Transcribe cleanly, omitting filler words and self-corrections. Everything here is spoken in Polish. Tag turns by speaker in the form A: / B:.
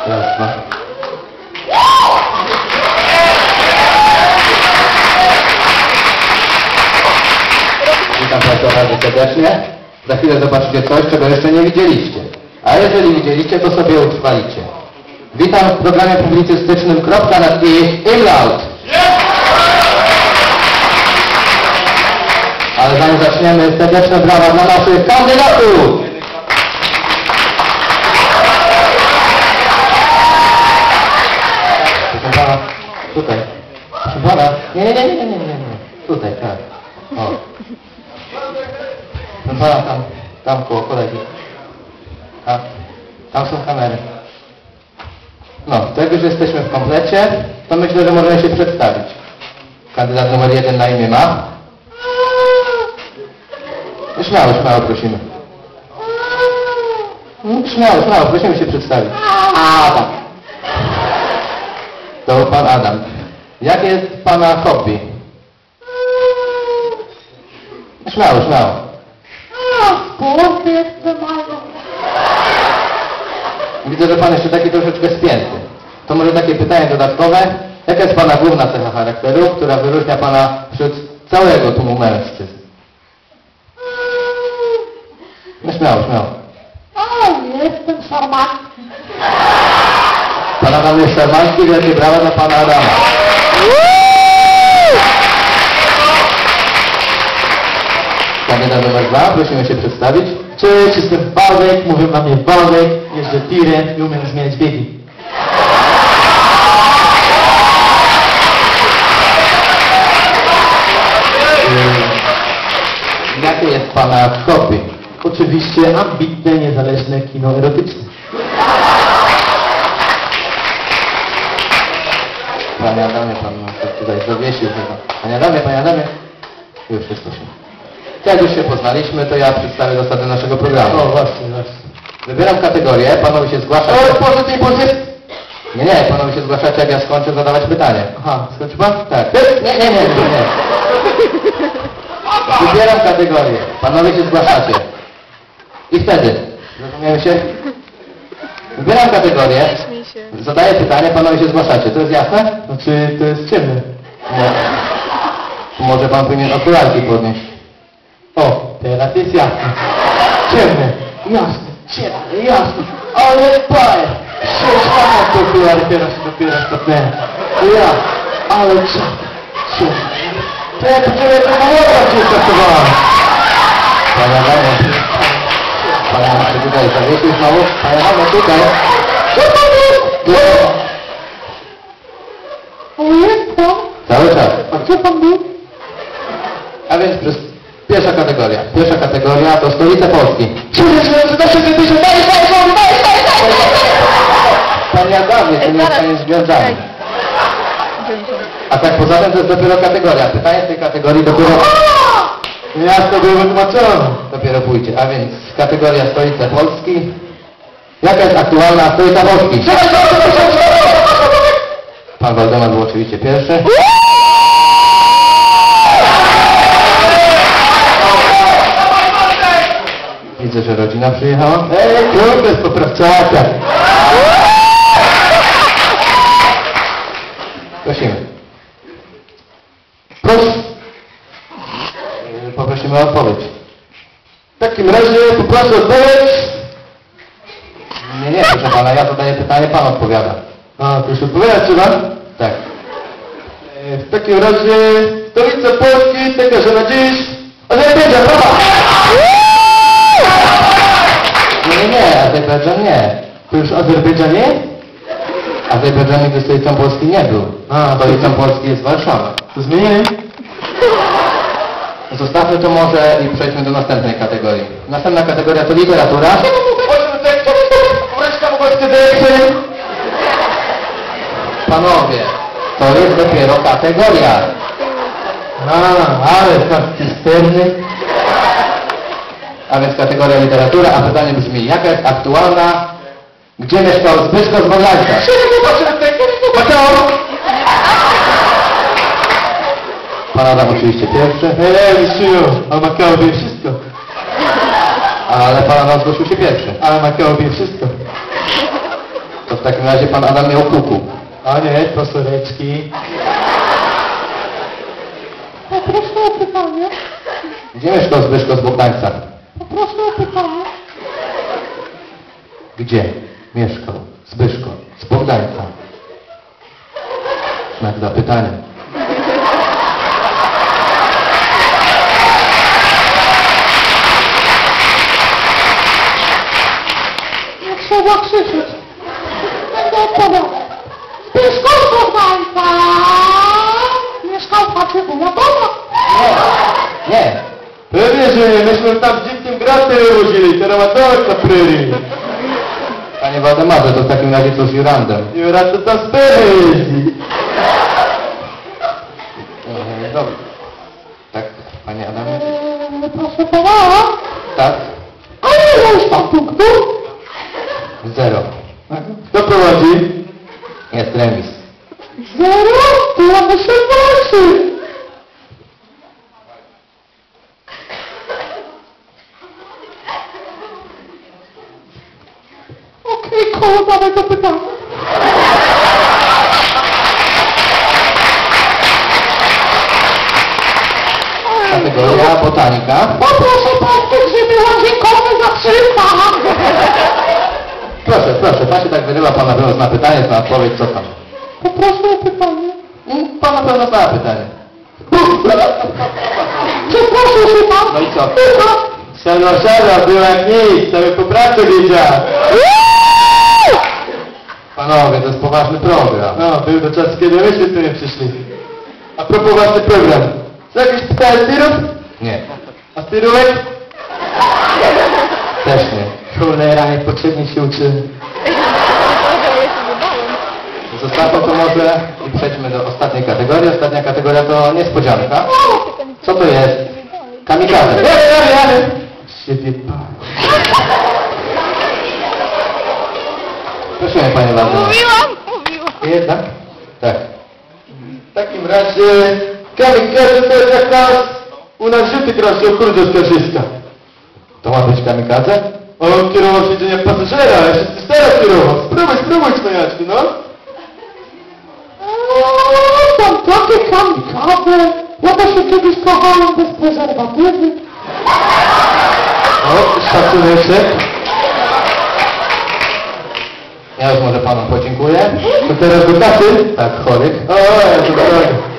A: Raz, dwa. Witam Państwa bardzo serdecznie. Za chwilę zobaczycie coś, czego jeszcze nie widzieliście. A jeżeli widzieliście, to sobie utrwalicie. Witam w programie publicystycznym Kropka nad I Imlaut. Ale zanim zaczniemy, serdeczne brawa dla naszych kandydatów! Proszę pana, tutaj. Proszę pana, nie. Tutaj, tak. O. Proszę pana, tam koło kolegi. Tam są kamery. No, to jak już jesteśmy w komplecie, to myślę, że możemy się przedstawić. Kandydat numer 1 na imię ma? Śmiało, prosimy. Śmiało, prosimy się przedstawić. Adam. To pan Adam. Jakie jest pana hobby? Śmiało.
B: Sport ekstremalny.
A: Widzę, że pan jeszcze taki troszeczkę spięty. To może takie pytanie dodatkowe. Jaka jest pana główna cecha charakteru, która wyróżnia pana wśród całego tłumu mężczyzn? No śmiało.
B: Jestem szarmacki.
A: Pan Adam jest szarmancki, wielkie brawa dla pana Adama. Kandydat numer 2, prosimy się przedstawić.
C: Cześć, jestem Wałek, mówią na mnie Wałek, jeżdżę tirem i umiem zmieniać biegi.
A: Jakie jest pana hobby?
C: Oczywiście ambitne, niezależne kino erotyczne.
A: Panie Adamie, pan tutaj zawiesił chyba. Panie Adamie. Już jest proszę. Jak już się poznaliśmy, to ja przedstawię zasady naszego programu.
C: O, właśnie.
A: Wybieram kategorię, panowie się zgłaszacie. Nie, panowie się zgłaszacie, jak ja skończę zadawać pytanie.
C: Aha, skończy pan?
A: Tak. Nie. Wybieram kategorię, panowie się zgłaszacie. I wtedy, rozumiemy się? Wybieram kategorię, zadaję pytanie, panowie się zgłaszacie. To jest jasne?
C: Znaczy, to jest ciemne.
A: Nie. Może pan powinien okularki podnieść.
C: O, teraz jest jasne. Ciemne, jasne. Ale paję. 6 lat to było, ale teraz dopiero stopnęłem. Ale ciemne. To ja tu ciebie tego łotra cię stosowałem.
A: Panie Adamie, tutaj zawiesił znowu. Panie Adamie, tutaj.
B: Jest to?
A: Cały czas.
B: A gdzie pan był?
A: A więc pierwsza kategoria to stolica Polski. Panie Adamie, to nie jest koniec z gwiazdami. A tak poza tym to jest dopiero kategoria. Pytanie z tej kategorii dopiero...
C: Jasno było wytłumaczone.
A: Dopiero pójdzie. A więc kategoria stolica Polski. Jaka jest aktualna stolica Polski? Pan Waldemar był oczywiście pierwszy. Widzę, że rodzina przyjechała.
C: Kurde, z poprawczaka.
A: Prosimy. Proszę. Poprosimy o odpowiedź.
C: W takim razie poproszę odpowiedź.
A: Nie, proszę pana, ja zadaję pytanie, pan odpowiada.
C: A, to już odpowiadać trzeba?
A: Tak.
C: W takim razie stolica Polski, taka, że na dziś Azerbejdżan, brawa!
A: Nie, Azerbejdżan nie.
C: To już Azerbejdżan nie?
A: Azerbejdżan nigdy stolicą Polski nie był.
C: A,
A: Stolicą Polski jest Warszawa.
C: to zmienili?
A: Zostawmy to może i przejdźmy do następnej kategorii. Następna kategoria to literatura. Panowie, to jest dopiero kategoria.
C: Ale tam cysterny.
A: A więc kategoria literatura, a pytanie brzmi, jaka jest aktualna, gdzie mieszkał Zbyszko z Bogańca? Pan Adam oczywiście pierwszy.
C: Mistrzyniu, a Makao wie wszystko.
A: Ale pan Adam zgłosił się pierwszy.
C: A Makao wie wszystko.
A: To w takim razie pan Adam miał kuku.
C: A nie, to soreczki.
B: Poproszę o pytanie.
A: Gdzie mieszkał Zbyszko z Bogdańca?
B: Poproszę o pytanie.
A: Gdzie mieszkał Zbyszko z Bogdańca? Znak zapytania.
B: Nie trzeba krzyczeć. Będę odpowiadał. Zbyszko z Bogdańca. Mieszkał w chacie wuja Bona.
A: Nie.
C: Pewnie, że nie, myśmy tam w dzikim graty wywozili, teraz ma dołek na pryrii.
A: Panie Waldemarze, to w takim razie co z Jurandem?
C: I raz to tam z pryrii jeździ.
A: Dobrze. Tak, panie Adamie?
B: Proszę pana.
A: Tak?
B: A ile już pan punktów?
A: 0.
C: Kto prowadzi?
A: Jest remis.
B: 0? To ja muszę walczyć. Okej, koło mamy do pytania.
A: Kategoria botanika.
B: Poproszę pan grzyby łaziekowe za 300.
A: Proszę, proszę, pan się tak wyrywa, pan na pewno zna pytanie, zna odpowiedź, co tam?
B: Poproszę o pytanie.
A: Pan na pewno zna pytanie.
B: Przeproszę się pan.
A: No i co?
C: Siadła, była jak nic, sobie po pracy wiedział.
A: Panowie, to jest poważny program.
C: No, był to czas, kiedy myśmy tu nie przyszli. A propos ważny program. Co jakieś pytania tirów?
A: Nie,
C: A tirówek?
A: też nie.
C: Cholera, niepotrzebnie się uczymy.
A: Zostawmy to może i przejdźmy do ostatniej kategorii. Ostatnia kategoria to niespodzianka. Co to jest? Kamikaze.
C: Jadę! Siebie
A: Prosimy, panie Waldemar.
B: Mówiłam.
C: Jednak?
A: Tak.
C: W takim razie kamikaze to jest jak nas u nas rzuty teraz się okrudzą z Karzyska.
A: To ma być kamikaze?
C: On kierował siedzenia pasażera, a jeszcze ty teraz kierował. Spróbuj cwaniaczki, no.
B: Tam takie kamikaze. Ja to się kiedyś kochałem bez prezerwatywy.
C: O, szacuneczek.
A: Ja już może panu podziękuję.
C: To teraz do kasy?
A: Tak, chorych.
C: O, ja to tak.